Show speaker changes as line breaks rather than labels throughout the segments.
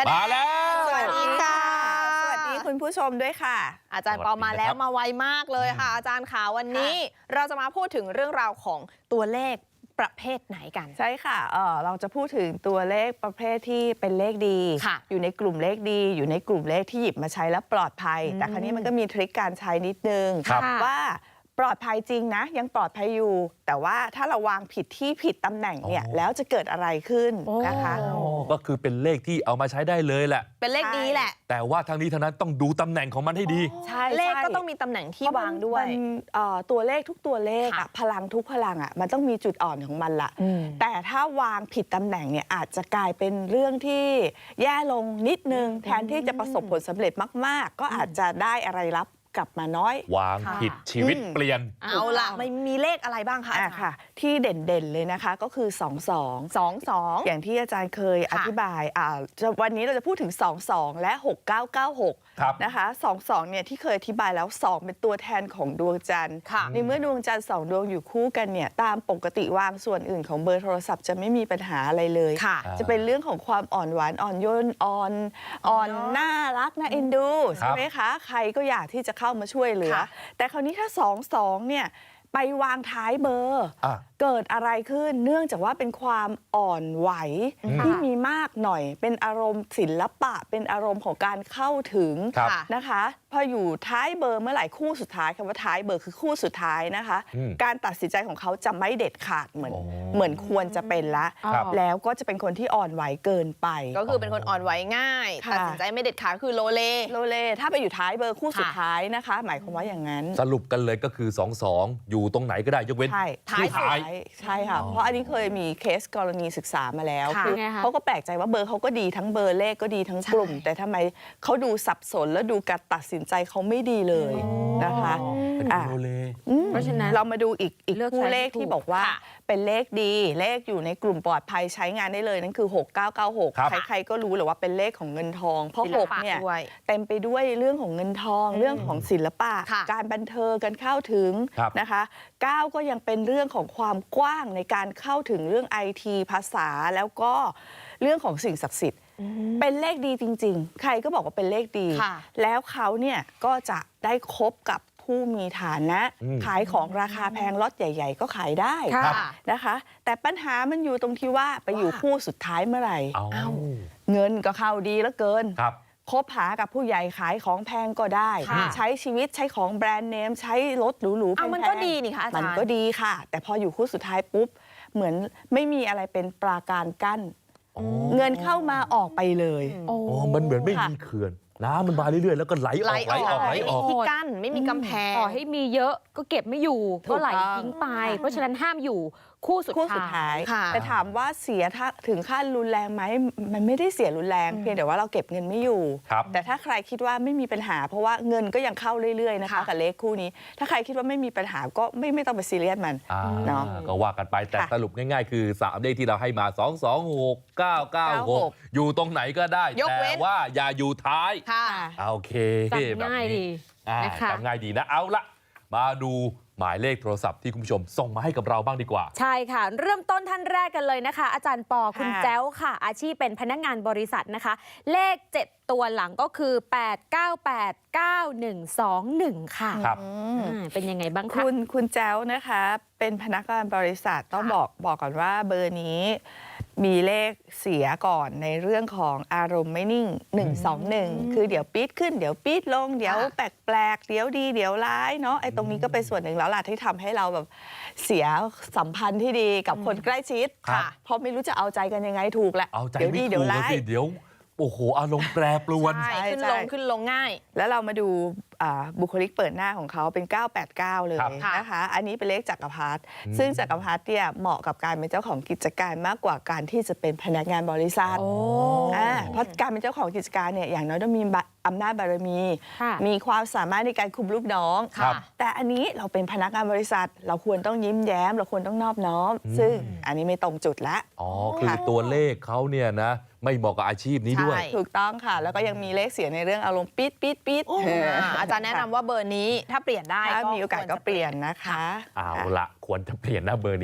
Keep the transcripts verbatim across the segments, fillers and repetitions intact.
มาแล้ว
สวัสดีค่ะ
สวัสดีคุณผู้ชมด้วยค่ะ
อาจารย์ปอมาแล้วมาไวมากเลยค่ะอาจารย์ขาวันนี้เราจะมาพูดถึงเรื่องราวของตัวเลขประเภทไหนกัน
ใช่ค่ะเออเราจะพูดถึงตัวเลขประเภทที่เป็นเลขดีอยู่ในกลุ่มเลขดีอยู่ในกลุ่มเลขที่หยิบมาใช้แล้วปลอดภัยแต่คราวนี้มันก็มีทริคการใช้นิดนึงว่าปลอดภัยจริงนะยังปลอดภัยอยู่แต่ว่าถ้าเราวางผิดที่ผิดตำแหน่งเนี่ยแล้วจะเกิดอะไรขึ้นนะคะ
ก็คือเป็นเลขที่เอามาใช้ได้เลยแหละ
เป็นเลขดีแหละ
แต่ว่าทั้งนี้ทั้งนั้นต้องดูตำแหน่งของมันให้ดี
ใช่
เลขก็ต้องมีตำแหน่งที่วางด้วย
ตัวเลขทุกตัวเลขอะพลังทุกพลังอะมันต้องมีจุดอ่อนของมันละแต่ถ้าวางผิดตำแหน่งเนี่ยอาจจะกลายเป็นเรื่องที่แย่ลงนิดนึงแทนที่จะประสบผลสำเร็จมากๆก็อาจจะได้อะไรรับกลับมาน้อยว
างผิดชีวิตเปลี่ยน
เอาล่ะไม่มีเลขอะไรบ้างคะ
อ่ะค่ะที่เด่นๆเลยนะคะก็คือสอง สอง สอง สองอย่างที่อาจารย์เคยอธิบายอ่าวันนี้เราจะพูดถึงสอง สองและหก เก้า เก้า หกนะคะสอง สองเนี่ยที่เคยอธิบายแล้วสองเป็นตัวแทนของดวงจันทร์ในเมื่อดวงจันทร์สองดวงอยู่คู่กันเนี่ยตามปกติวางส่วนอื่นของเบอร์โทรศัพท์จะไม่มีปัญหาอะไรเลยจะเป็นเรื่องของความอ่อนหวานอ่อนโยนอ่อนอ่อนน่ารักน่าเอ็นดูใช่ไหมคะใครก็อยากที่จะเข้ามาช่วยเหลือแต่คราวนี้ถ้าสอง สองเนี่ยไปวางท้ายเบอร์เกิดอะไรขึ้นเนื่องจากว่าเป็นความอ่อนไหวที่มีมากหน่อยเป็นอารมณ์ศิลปะเป็นอารมณ์ของการเข้าถึงนะคะพออยู่ท้ายเบอร์เมื่อไหร่คู่สุดท้ายคำว่าท้ายเบอร์คือคู่สุดท้ายนะคะการตัดสินใจของเขาจะไม่เด็ดขาดเหมือนเหมือนควรจะเป็นละแล้วก็จะเป็นคนที่อ่อนไหวเกินไป
ก็คือเป็นคนอ่อนไหวง่ายตัดสินใจไม่เด็ดขาดคือโลเล
โลเลถ้าไปอยู่ท้ายเบอร์คู่สุดท้ายนะคะหมายความว่าอย่างนั้น
สรุปกันเลยก็คือสอง สองอยู่ตรงไหนก็ได้ยกเว้น
ท้ายท้ายใช่ค่ะเพราะอันนี้เคยมีเคสกรณีศึกษามาแล้วคือเขาก็แปลกใจว่าเบอร์เขาก็ดีทั้งเบอร์เลขก็ดีทั้งกลุ่มแต่ทำไมเขาดูสับสนแล้วดูการตัดสินใจเขาไม่ดีเลยนะคะเพราะฉะนั้นเรามาดูอีกอีกคู่เลขที่บอกว่าเป็นเลขดีเลขอยู่ในกลุ่มปลอดภัยใช้งานได้เลยนั่นคือหก เก้า เก้า หกใครๆก็รู้เลยว่าเป็นเลขของเงินทองเพราะหกเนี่ยเต็มไปด้วยเรื่องของเงินทองเรื่องของศิลปะการบันเทิงการเข้าถึงนะคะเก้าก็ยังเป็นเรื่องของความกว้างในการเข้าถึงเรื่องไอทีภาษาแล้วก็เรื่องของสิ่งศักดิ์สิทธิ์เป็นเลขดีจริงๆใครก็บอกว่าเป็นเลขดีแล้วเขาเนี่ยก็จะได้คบกับผู้มีฐานะขายของราคาแพงล็อตใหญ่ๆก็ขายได้นะคะแต่ปัญหามันอยู่ตรงที่ว่าไปอยู่คู่สุดท้ายเมื่อไหร่เงินก็เข้าดีเหลือเกินคบหากับผู้ใหญ่ขายของแพงก็ได้ใช้ชีวิตใช้ของแบรนด์เนมใช้รถหรูๆแพง
มันก็ดีนี่ค่ะอาจารย์
มันก็ดีค่ะแต่พออยู่คู่สุดท้ายปุ๊บเหมือนไม่มีอะไรเป็นปราการกั้นเงินเข้ามาออกไปเลย
อ๋อมันเหมือนไม่มีเขื่อนน้ำมันมาเรื่อยๆแล้วก็ไหลออกไหลออกไหลออก
ไม่มีที่กั้นไม่มีกำแพง
ต่อให้มีเยอะก็เก็บไม่อยู่ก็ไหลทิ้งไปเพราะฉะนั้นห้ามอยู่คู่สุด
ท้ายแต่ถามว่าเสียถึงขั้นรุนแรงไหมมันไม่ได้เสียรุนแรงเพียงแต่ว่าเราเก็บเงินไม่อยู่แต่ถ้าใครคิดว่าไม่มีปัญหาเพราะว่าเงินก็ยังเข้าเรื่อยๆนะคะกับเลขคู่นี้ถ้าใครคิดว่าไม่มีปัญหาก็ไม่ไม่ต้องไปซีเรียสมันเนาะ
ก็ว่ากันไปแต่สรุปง่ายๆคือสามเลขที่เราให้มาสอง สอง หก เก้า เก้า หกอยู่ตรงไหนก็ได้แต่ว่าอย่าอยู่ท้ายโอเค
จำง่ายดี
จำง่ายดีนะเอาละมาดูหมายเลขโทรศัพท์ที่คุณผู้ชมส่งมาให้กับเราบ้างดีกว่า
ใช่ค่ะเริ่มต้นท่านแรกกันเลยนะคะอาจารย์ปอคุณแจ้วค่ะอาชีพเป็นพนักงานบริษัทนะคะเลขเจ็ดตัวหลังก็คือแปด เก้า แปด เก้า หนึ่ง สอง หนึ่งค่ะ
ครับ
เป็นยังไงบ้างคะ
คุณคุณแจ้วนะคะเป็นพนักงานบริษัทต้องบอกบอกก่อนว่าเบอร์นี้มีเลขเสียก่อนในเรื่องของอารมณ์ไม่นิ่งหนึ่ง สอง หนึ่งคือเดี๋ยวปี๊ดขึ้นเดี๋ยวปี๊ดลงเดี๋ยวแปลกๆเดี๋ยวดีเดี๋ยวร้ายเนาะไอ้ตรงนี้ก็เป็นส่วนหนึ่งแล้วล่ะที่ทำให้เราแบบเสียสัมพันธ์ที่ดีกับคนใกล้ชิดค่ะเพราะไม่รู้จะเอาใจกันยังไงถูกแหละ
เดี๋ยวดีเดี๋ยวร้ายเดี๋ยวโอ้โหอารมณ์แปรปรวน
ขึ้นลงขึ้นลงง่าย
แล้วเรามาดูบุคลิกเปิดหน้าของเขาเป็นเก้า แปด เก้าเลยนะคะอันนี้เป็นเลขจักรพรรดิซึ่งจักรพรรดิเนี่ยเหมาะกับการเป็นเจ้าของกิจการมากกว่าการที่จะเป็นพนักงานบริษัทเพราะการเป็นเจ้าของกิจการเนี่ยอย่างน้อยต้องมีอำนาจบารมีมีความสามารถในการคุมลูกน้องแต่อันนี้เราเป็นพนักงานบริษัทเราควรต้องยิ้มแย้มเราควรต้องนอบน้อมซึ่งอันนี้ไม่ตรงจุดละ
อ๋อคือตัวเลขเขาเนี่ยนะไม่เหมาะกับอาชีพนี้ด้วย
ถูกต้องค่ะแล้วก็ยังมีเลขเสียในเรื่องอารมณ์ปี๊ดปี๊ดปี๊ด
อาจารย์แนะนำว่าเบอร์นี้ถ้าเปลี่ยนได้
ถ้ามีโอกาสก็เปลี่ยนนะคะ
เอาละควรจะเปลี่ยนนะเบอร์นี้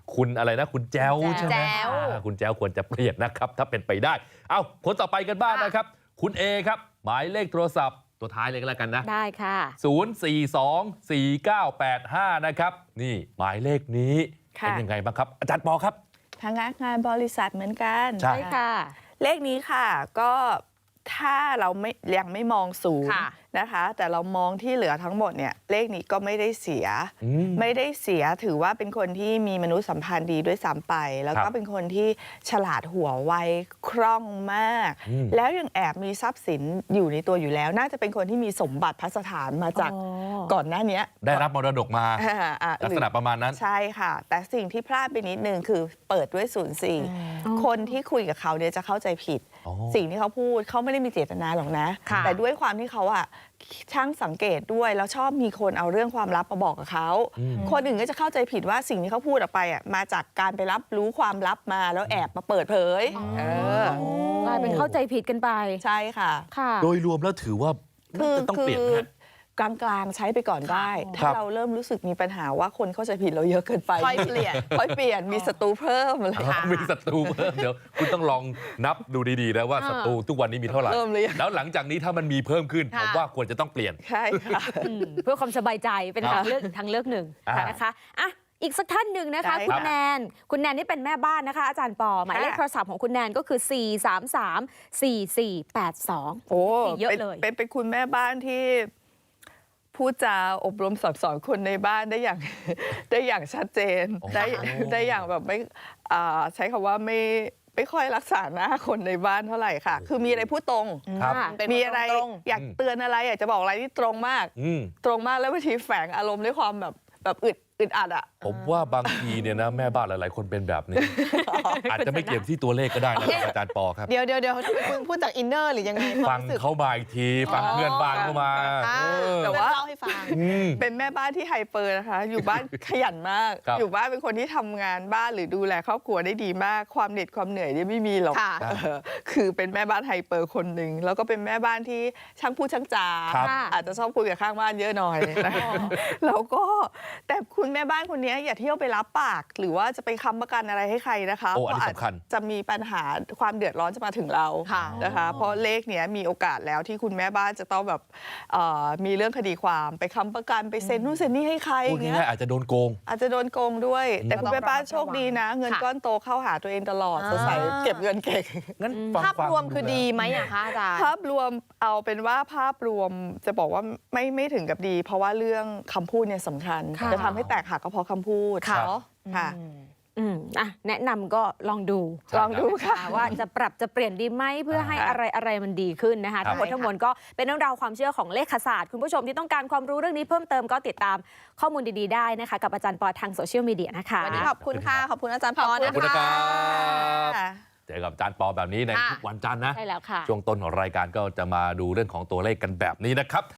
คุณอะไรนะคุณแจ้วใช่ไหม
แจ้ว
อ่าคุณแจ้วควรจะเปลี่ยนนะครับถ้าเป็นไปได้ เอ้าคนต่อไปกันบ้างนะครับ คุณเอครับหมายเลขโทรศัพท์ตัวท้ายเลยก็แล้วกันนะ
ได้ค่ะ
ศูนย์ สี่ สอง สี่ เก้า แปด ห้า นะครับนี่หมายเลขนี้
ค่ะ
เป็นยังไงบ้างครับ อาจารย์ปอครับ
พนักงานบริษัทเหมือนกัน
ใช่
ใช่ค่ะ
เลขนี้ค่ะก็ถ้าเราไม่ยังไม่มองศูนย์
ค่ะ
นะคะ แต่เรามองที่เหลือทั้งหมดเนี่ยเลขนี้ก็ไม่ได้เสีย
อืม
ไม่ได้เสียถือว่าเป็นคนที่มีมนุษยสัมพันธ์ดีด้วยซ้ำไป แล้ว
ครั
ก็
บ
เป็นคนที่ฉลาดหัวไวคล่องมาก
อืม
แล้วยังแอบมีทรัพย์สินอยู่ในตัวอยู่แล้ว น่าจะเป็นคนที่มีสมบัติพัสถานมาจาก
อ๋อ
ก่อนหน้าเนี้ย
ได้รับมรดกมา
อ่าอ่า
ลักษณะประมาณนั้น
ใช่ค่ะ แต่สิ่งที่พลาดไปนิดนึงคือเปิดด้วยศูนย์สี่
อ๋อ
คนที่คุยกับเขาเนี่ยจะเข้าใจผิด
อ๋อ
สิ่งที่เขาพูดเขาไม่ได้มีเจตนาหรอกนะ
ค่ะ
แต่ด้วยความที่เขาอะช่างสังเกตด้วยแล้วชอบมีคนเอาเรื่องความลับมาบอกกับเขา
อืม
คนอื่นก็จะเข้าใจผิดว่าสิ่งที่เขาพูดออกไปอะมาจากการไปรับรู้ความลับมาแล้วแอบมาเปิดเผยเออ
กลายเป็นเข้าใจผิดกันไป
ใช่ค่ะ
ค่ะ
โดยรวมแล้วถือว่า
คือ
จะต้อง
คื
เปลี่ยน
อ
ไหมฮะ
กลางๆใช้ไปก่อนได้
ครั
ถ้า
บ
เราเริ่มรู้สึกมีปัญหาว่าคนเข้าใจผิดเราเยอะเกินไป
ค่อยเปลี่ยน
ค่อยเปลี่ยนมีศัตรูเพิ่มอะไร
อ๋อมีศัตรูเพิ่มเดี๋ยวคุณต้องลองนับดูดีๆนะว่า
อ่า
ศัตรูทุกวันนี้มีเท่าไหร่
เริ่มเลยง
แล้วหลังจากนี้ถ้ามันมีเพิ่มขึ้น
ค่ะ
ผมว่าควรจะต้องเปลี่ยน
ใช่ค่ะ
อืมเพื่อความสบายใจเป็น
ครั
ทา
บ
งเลือกทางเลือกหนึ่ง
อ่าน
นะคะอ่ะอีกสักท่านหนึ่งนะคะ
ได้
คุณ
ค่ะ
แนน คุณแนนนี่เป็นแม่บ้านนะคะ อาจารย์ปอหมายเลข
ค่ะ
โทรศัพท์ของคุณแนนก็คือ สี่ สาม สาม สี่ สี่ แปด สอง
โอ้
เยอะ
เป็น
เลย
เป็นเป็นคุณแม่บ้านที่พูดจาอบรมสั่งสอนคนในบ้านได้อย่าง ได้อย่างชัดเจน
โอ้
ได้ได้อย่างแบบไม่อ่าใช้คำว่าไม่ไม่ค่อยรักษาหน้าคนในบ้านเท่าไหร่ค่ะ คือมีอะไรพูดตรง
ครับ
ค่ะ
เป็น
มี
คน
อะไร
ตรง
อยากเตือนอะไรอยากจะบอกอะไรที่ตรงมาก
อืม
ตรงมากแล้วบางทีแฝงอารมณ์ด้วยความแบบแบบอึดอึดอัดอ่ะ
ผมว่าบางทีเนี่ยนะแม่บ้านหลาย ๆ คนเป็นแบบนี้ อาจจะไม่เกี่ยวที่ตัวเลขก็ได้นะอาจารย์ปอครับ
เดี๋ยวเดี๋ยวเดี๋ยวคุณพูดจากอินเนอร์หรือยังไง
ฟัง
รู้สึก
เขามาอีกทีฟัง
อ๋อ
เพื่อนบ้านเข้ามา
อ่า
เออ
แต่ว่า
เล่าให้ฟัง
อืม
เป็นแม่บ้านที่ไฮเปอร์นะคะ อยู่บ้าน ขยันมาก
ครับ
อยู่บ้านเป็นคนที่ทำงานบ้านหรือดูแลครอบครัวได้ดีมาก ความเหน็ดความเหนื่อยเนี่ยไม่มีหรอก
ค่ะ
เออคือเป็นแม่บ้านไฮเปอร์คนหนึ่งแล้วก็เป็นแม่บ้านที่ช่างพูดช่างจา
ครับ
อาจจะชอบคุยกับข้างบ้านเยอะหน่อยนะแล้วก็แต่คุณแม่บ้านคนนี้อย่าเที่ยวไปรับปาก หรือว่าจะไปค้ำประกันอะไรให้ใครนะคะ
โอ้อันนี้
เพราะอาจ
สำคัญ
จะมีปัญหาความเดือดร้อนจะมาถึงเรา
ค่ะ
นะคะ เพราะเลขเนี้ยมีโอกาสแล้วที่คุณแม่บ้านจะต้องแบบเอ่อมีเรื่องคดีความไปค้ำประกันไปเซ็นนู่นเซ็นนี่ให้ใครอ
พูด
ย่างเงี้
ง่าย
ย
ๆอาจจะโดนโกง
อาจจะโดนโกงด้วย แต่คุณแม่บ้านโชคดีนะ เงิน
ค่ะ
ก้อนโตเข้าหาตัวเองตลอด
อ่า
สดใสเก็บเงินเก่ง
งั้นฟัง
ภาพ
ฟัง
รวมคือ
นะ
ดีไหมอะคะอาจารย์
ภาพรวมเอาเป็นว่าภาพรวมจะบอกว่าไม่ไม่ถึงกับดี เพราะว่าเรื่องคำพูดเนี่ยสำคัญ
ค่ะ
จะทำให้แตกหักก็เพราะคำพูด
ค่ะ
เนาะค่ะ
อืมอ่ะแนะนำก็ลองดู
ใช่
ลองดูค่ะ
ว่าจะปรับจะเปลี่ยนดีไหมเพื่อให้
ค่ะ
อะไรอะไรมันดีขึ้นนะคะ
ครับ
ทั้งหมดทั้งมวลก็เป็นเรื่องราวความเชื่อของเลขศาสตร์ คุณผู้ชมที่ต้องการความรู้เรื่องนี้เพิ่มเติมก็ติดตามข้อมูลดีๆได้นะคะ กับอาจารย์ปอทางโซเชียลมีเดียนะคะ
วันนี้ขอบคุณค่ะ ขอบคุณอาจารย์ปอ
ขอบคุณ
ขอบคุณนะครับ
ค่ะ
เจอกับอาจารย์ปอแบบนี้ใน
ค่ะ
ทุกวันจันทร์นะ
ใช่แล้วค่ะ
ช่วงต้นของรายการก็จะมาดูเรื่องของตัวเลขกันแบบนี้นะครับ